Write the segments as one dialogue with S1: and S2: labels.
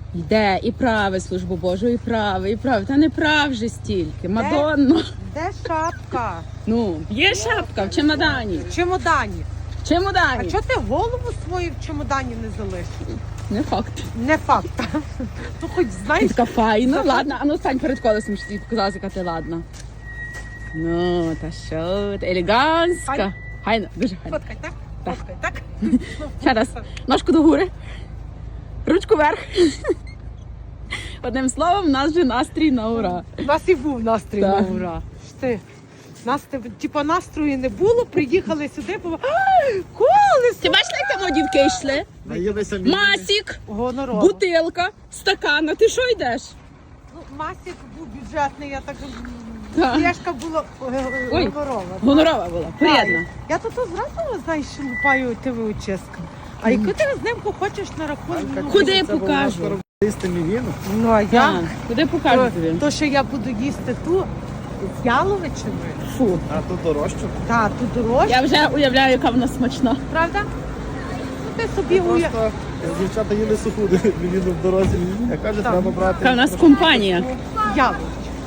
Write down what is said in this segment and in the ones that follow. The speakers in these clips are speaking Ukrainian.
S1: Йде і праве службу Божу, і праве, і праве. Та не прав же стільки, Мадонно.
S2: Де шапка?
S1: Ну, є шапка в чемодані.
S2: В чемодані.
S1: В чемодані.
S2: А чого ти голову свою в чемодані не залишив?
S1: Не факт.
S2: Не факт. Ну хоч
S1: Ти
S2: знаєш.
S1: така файна, ладно, а ну стань перед колесом, щоб тобі показалось, яка ти ладна. Ну, та що ти, елегантська.
S2: Файна.
S1: Гайно, дуже гайно.
S2: Фоткай, так? Фоткай, так?
S1: Ще раз, ножку догори, ручку вверх. Одним словом, в нас вже настрій на ура.
S2: У нас і був настрій на
S1: Так.
S2: ура. Нас типу настрою не було, приїхали сюди, колесо!
S1: Ти бачила, як там дівки йшли?
S3: Наїлися
S1: Масік,
S2: Гонорово.
S1: бутилка, стакана. Ти що йдеш?
S2: Ну, Масік був бюджетний, я так...
S1: Так.
S2: Флешка була
S1: Ой,
S2: гонорова.
S1: гонорова була, порядна.
S2: Я тут зразу, знаєш, лупаю ТВ очистку. А яку ти знимку хочеш на рахунок?
S1: Куди покажу?
S2: Ну, а я?
S1: Так, куди покажу тобі?
S2: То, що я буду їсти ту з яловичиною.
S1: Фу.
S3: А тут дорожче.
S2: Та, ту дорожчу.
S1: Я вже уявляю, яка вона смачна.
S2: Правда? Ну, ти собі уяв.
S3: Просто дівчата їли суху, мені в дорозі. Я кажу,
S2: Так.
S3: треба брати.
S1: Яка в нас компанія.
S2: Ялович.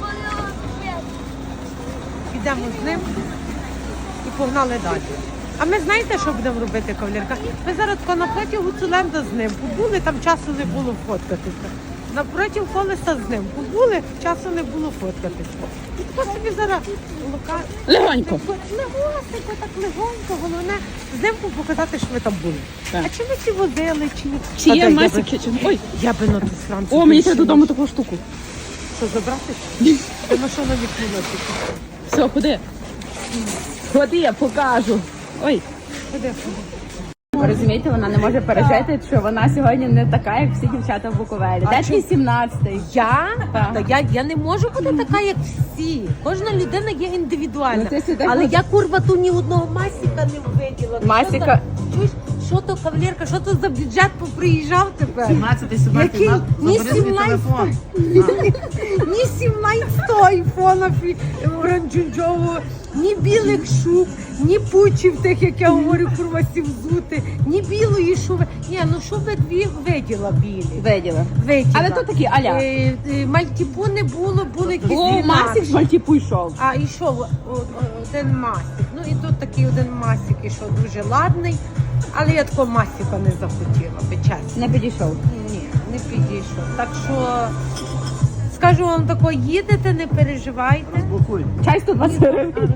S2: Підемо з ним і погнали далі. А ми знаєте, що будемо робити, кавалерка? Ми зараз тако напроти Гуцуленда з ним побули, там часу не було фоткатися. Напроти колеса з ним побули, часу не було фоткатися. І тако собі зараз
S1: Легонько.
S2: Легонько, так легонько, головне знімку показати, що ви там були.
S1: Так.
S2: А чи ми ці возили, чи ні?
S1: Чи
S2: А
S1: є
S2: дай,
S1: Масік Кічен? Ой,
S2: я би на ту сранцю.
S1: о, мені треба
S2: більше
S1: додому таку штуку.
S2: Що, забрати? Ти машину відкнула.
S1: Все, ходи. Ходи, я покажу. Ой.
S2: Ходи.
S1: Ви розумієте, вона не може пережити, що вона сьогодні не така, як всі дівчата в Буковелі. Де твій 17-й?
S2: Я?
S1: Так.
S2: Та я не можу бути така, як всі. Кожна людина є індивідуальна.
S1: Ну, ти сюди
S2: Але
S1: ходи.
S2: я, курва, ту ні одного масіка не виділа.
S1: Масіка.
S2: Чуєш, що то, кавалерка, що то за бюджет поприїжджав тепер?
S3: 17-й
S2: Який? Ні 17 ні 17-го айфона оранжевого, ні білих шуб, ні пучів тих, як я говорю, курва, сівзути, ні білої шуби. Ні, ну шуби дві виділа білі.
S1: Виділа.
S2: Виділа.
S1: Але то такі аля.
S2: Мальтіпу не було, були якісь
S1: О,
S2: інакші.
S1: Масік з Мальтіпу йшов.
S2: А йшов один масік. Ну і тут такий один масік ішов дуже ладний, але я такого масіка не захотіла, би чесно.
S1: Не підійшов.
S2: Ні, не підійшов. Так що скажу вам тако, їдете, не переживайте.
S3: Блокуй.
S1: Чай 120 гривень.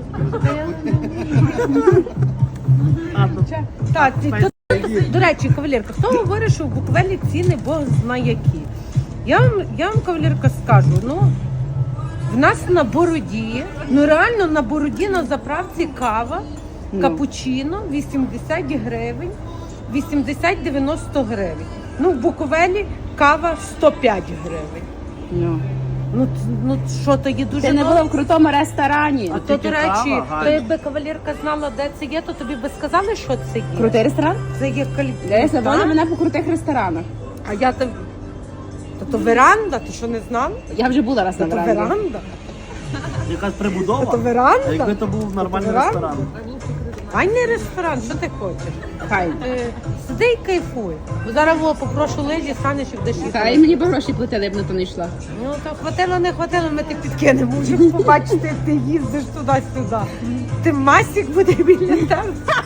S2: Так, до речі, кавалерка, хто говорить, що в Буковелі ціни Бог знає які. Я вам, кавалерка, скажу, ну, в нас на Бороді, ну реально на Бороді на заправці кава, капучино 80 гривень, 80-90 гривень. Ну, в Буковелі кава 105 гривень. Ну що, то є дуже
S1: Ти не
S2: добре.
S1: була в крутому ресторані.
S2: А то, до речі,
S3: кава,
S2: то
S3: Галя.
S2: якби кавалерка знала, де це є, то тобі би сказали, що це є.
S1: Крутий ресторан?
S2: Це є
S1: Десь вона мене по крутих ресторанах.
S2: А я там. То веранда, ти що не знала?
S1: Я вже була раз на
S2: То
S1: веранді.
S2: веранда.
S3: Якась прибудова.
S2: То веранда.
S3: А якби то був нормальний
S2: Веранда?
S3: ресторан.
S2: Ай, не ресторан, що ти хочеш?
S1: Хай.
S2: Сиди і кайфуй. Бо зараз попрошу лижі, станеш і будеш їсти.
S1: Хай мені б гроші платили, я б на то не йшла.
S2: Ну то хватило, не хватило, ми ти підкинемо. Можемо побачити, як ти їздиш туди-сюди. Ти масік буде біля тебе.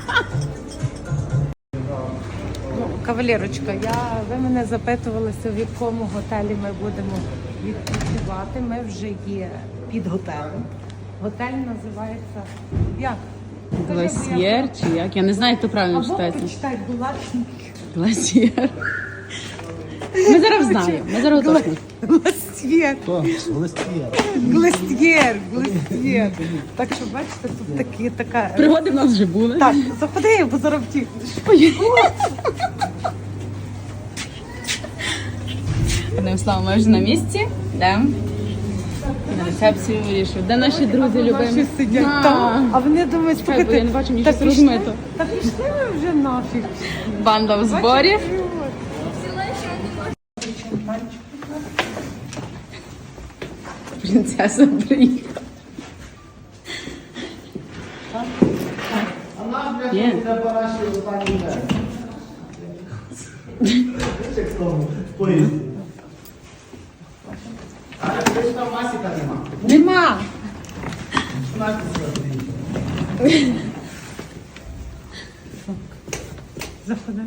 S2: Ну, кавалерочка, ви мене запитувалися, в якому готелі ми будемо відпочивати. Ми вже є під готелем. Готель називається як?
S1: Гласьєр чи як? Я не знаю, як то правильно
S2: Або
S1: читається.
S2: почитай, Булатник.
S1: Гласьєр. Ми зараз знаємо, ми зараз уточнимо.
S2: Гластєр.
S3: Хто? Листє.
S2: Гластєр. Так що, бачите, тут така...
S1: Пригоди в нас вже були.
S2: Так, заходи, бо зараз втікнеш.
S1: Одним словом, ми вже на місці. Йдемо. На рецепцію вирішив. Де наші друзі любимі?
S2: Наші сидять там, а вони думають,
S1: Чекай, бо я не бачу, мені
S2: та
S1: щось
S2: пішли,
S1: розмито.
S2: Та пішли ми вже нафіг.
S1: Банда в зборі. Принцеса приїхала. Є.
S3: В поїзді.
S2: Нема. Заходи.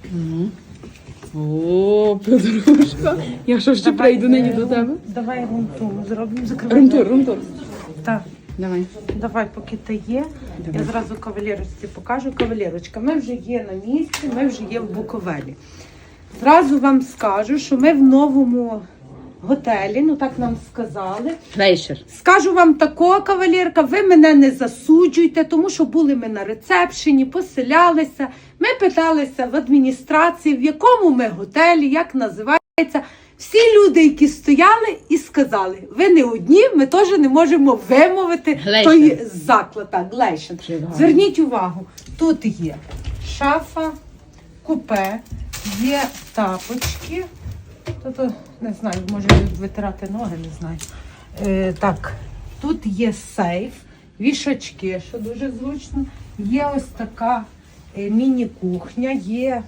S1: О, подружка. Я що ще прийду нині до тебе?
S2: Давай румтур зробимо. Закривай.
S1: Румтур.
S2: Так.
S1: Давай.
S2: Давай, поки ти є, я зразу кавалерочці покажу. Кавалерочка, ми вже є на місці, ми вже є в Буковелі. Зразу вам скажу, що ми в новому готелі, ну так нам сказали.
S1: Глейшер.
S2: Скажу вам такого, кавалерка, ви мене не засуджуйте, тому що були ми на рецепшені, поселялися. Ми питалися в адміністрації, в якому ми готелі, як називається. Всі люди, які стояли і сказали, ви не одні, ми теж не можемо вимовити
S1: Глейшер.
S2: той заклад. Так, Глейшер.
S1: Чудово.
S2: Зверніть увагу, тут є шафа, купе, є тапочки. Тобто, не знаю, може витирати ноги, не знаю. Так, тут є сейф, вішачки, що дуже зручно. Є ось така міні-кухня, є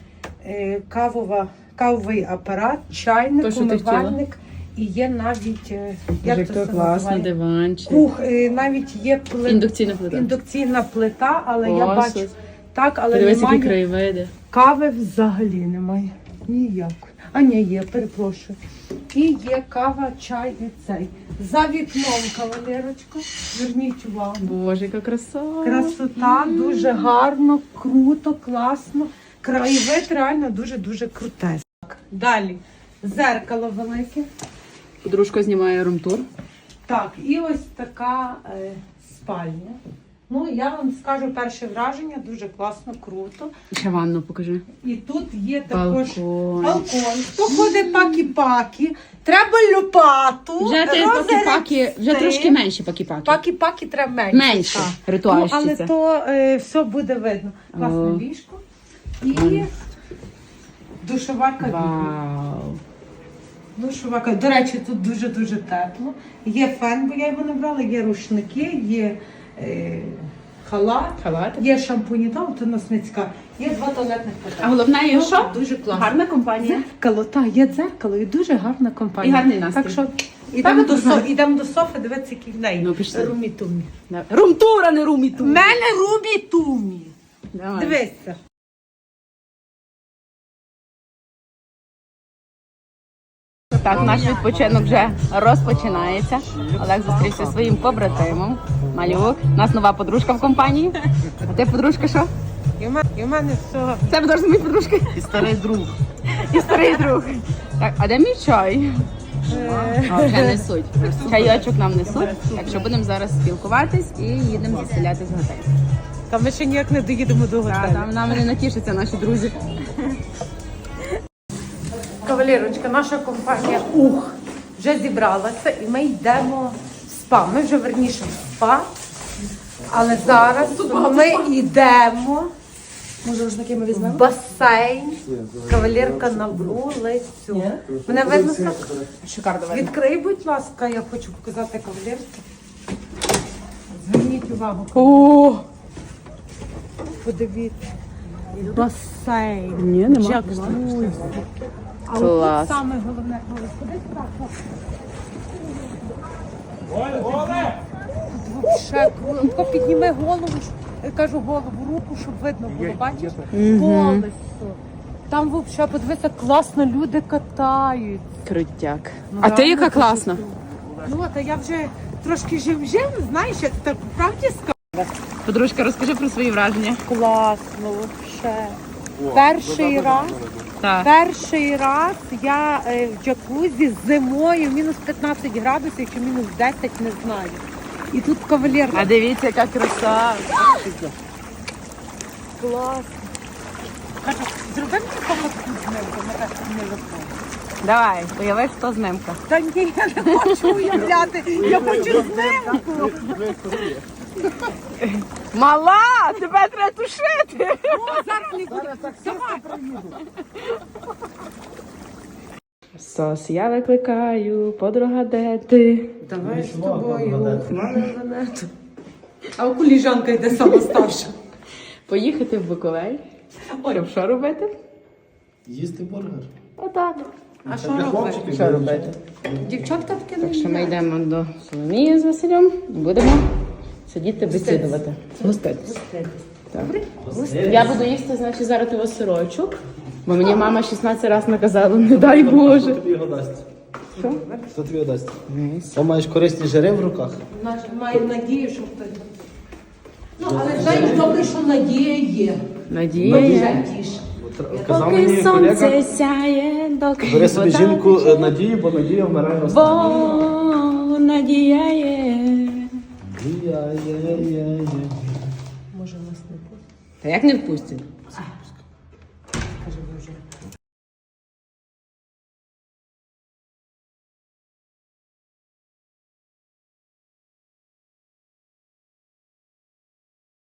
S2: кавовий апарат, чайник,
S1: То, що ти
S2: умивальник і є навіть
S1: Як
S2: це
S1: то класно,
S2: називає?
S1: диванчик.
S2: Навіть є
S1: Індукційна плита.
S2: індукційна плита, але
S1: О,
S2: я бачу
S1: щось.
S2: так, але
S1: Подивись, які
S2: немає.
S1: краєвиди.
S2: Кави взагалі немає. Ніякої. А ні, є, перепрошую. І є кава, чай і цей. За вікном, кавалерочка. Зверніть увагу.
S1: Боже, яка краса.
S2: Красота, дуже гарно, круто, класно. Краєвид реально дуже-дуже круте. Так, далі. Зеркало велике.
S1: Подружка знімає румтур.
S2: Так, і ось така спальня. Ну, я вам скажу перше враження, дуже класно, круто.
S1: Ще ванну покажи.
S2: І тут є також
S1: Балкон.
S2: балкон. Хто ходить пакі-пакі, треба лопату.
S1: Вже ти пакі-паки, вже трошки менше пакі-паки.
S2: Пакі-паки треба менше.
S1: Менше.
S2: так.
S1: Ритуальщиця.
S2: Ну, але то все буде видно. Класне
S1: О.
S2: ліжко. І душова кабіна.
S1: Вау.
S2: Душова кабіна. До речі, тут дуже-дуже тепло. Є фен, бо я його не брала, є рушники, є халат.
S1: Халат.
S2: Є шампуні, там то носницька, є 2 туалетних
S1: А
S2: питання.
S1: головне, є що?
S2: Дуже класно.
S1: Гарна компанія.
S2: Дзеркало, так, є дзеркало і дуже гарна компанія.
S1: І гарний настрій.
S2: Так що ідемо
S1: Так,
S2: ідемо до Софи, дивитися, який в неї.
S1: Ну, пішли.
S2: Румі-тумі.
S1: Румтур, а не
S2: В
S1: румітур.
S2: мене румі-тумі.
S1: Давай.
S2: Дивися.
S1: Так, наш відпочинок вже розпочинається. Олег зустрівся зі своїм побратимом. Малюк. У нас нова подружка в компанії. А ти подружка що?
S2: І в мене все.
S1: Це теж мій подружка.
S3: І старий друг.
S1: І старий друг. Так, а де мій чай? А, вже несуть. Чайочок нам несуть. Так що будемо зараз спілкуватись і їдемо заселятись в готель.
S2: Та ми ще ніяк не доїдемо до
S1: Так,
S2: готелю.
S1: там нам не натішаться наші друзі.
S2: Кавалерочка, наша компанія вже зібралася і ми йдемо в спа. Ми вже верніше в спа, але зараз ми йдемо
S1: Може, рушники ми
S2: в басейн. Кавалерка на вулицю. Мене видно?
S1: Шикарно.
S2: Відкрий, будь ласка, я хочу показати кавалерці. Зверніть увагу.
S1: О,
S2: Подивіться. Басейн.
S1: ні, нема.
S2: Джакузі. А
S1: Клас.
S2: от саме головне, ходи Ще круто. Підніми голову, я кажу голову, руку, щоб видно було, бачиш? Колесо. Там взагалі, подивися, класно люди катають.
S1: Крутяк.
S2: Ну,
S1: А ти
S2: реально
S1: яка
S2: дуже
S1: класна?
S2: Ну, та я вже трошки жим-жим, знаєш, я так правді скажу.
S1: Подружка, розкажи про свої враження.
S2: Класно, взагалі. Перший раз я в джакузі зимою, мінус 15 градусів чи мінус 10, не знаю. І тут кавалерка.
S1: А дивіться, яка краса.
S2: Класно. Кажу, зроби мені фотку з ним, ми так не виходить.
S1: Давай, уяви, що знимка.
S2: Та ні, я не хочу уявляти, я хочу знимку.
S1: Мала, тебе треба тушити.
S2: О, зараз не буде. Давай.
S1: Сос, я викликаю, подруга, де ти?
S2: Давай з тобою. А у коліжанка йде сама старша.
S1: Поїхати в Буковель. Олю, що робити?
S3: Їсти бургер.
S1: Отак.
S2: А що робити?
S1: Що робити?
S2: Дівчатка таке не
S1: Так що ми
S2: їдять.
S1: йдемо до Соломії з Василем і будемо сидіти бесідувати. Гоститись. Так. Я буду їсти, значить, зараз того сирочок, бо мені мама 16 разів наказала, не дай Боже.
S3: Хто тобі його дасть?
S1: Що?
S3: Хто тобі його дасть? О, маєш корисні жири в руках?
S2: Маю надію, що хтось. Ну, але знаєш, добре, що надія є.
S1: Надія є.
S2: Вже тіше.
S3: Казав
S1: Поки
S3: мені
S1: сонце
S3: колега,
S1: сяє, доки
S3: бери собі
S1: вода
S3: жінку
S1: тече.
S3: Надію, бо Надія вмирає останньою.
S1: Бо надія є.
S3: Надія, є.
S2: Може, нас не буде.
S1: Та як не впустять?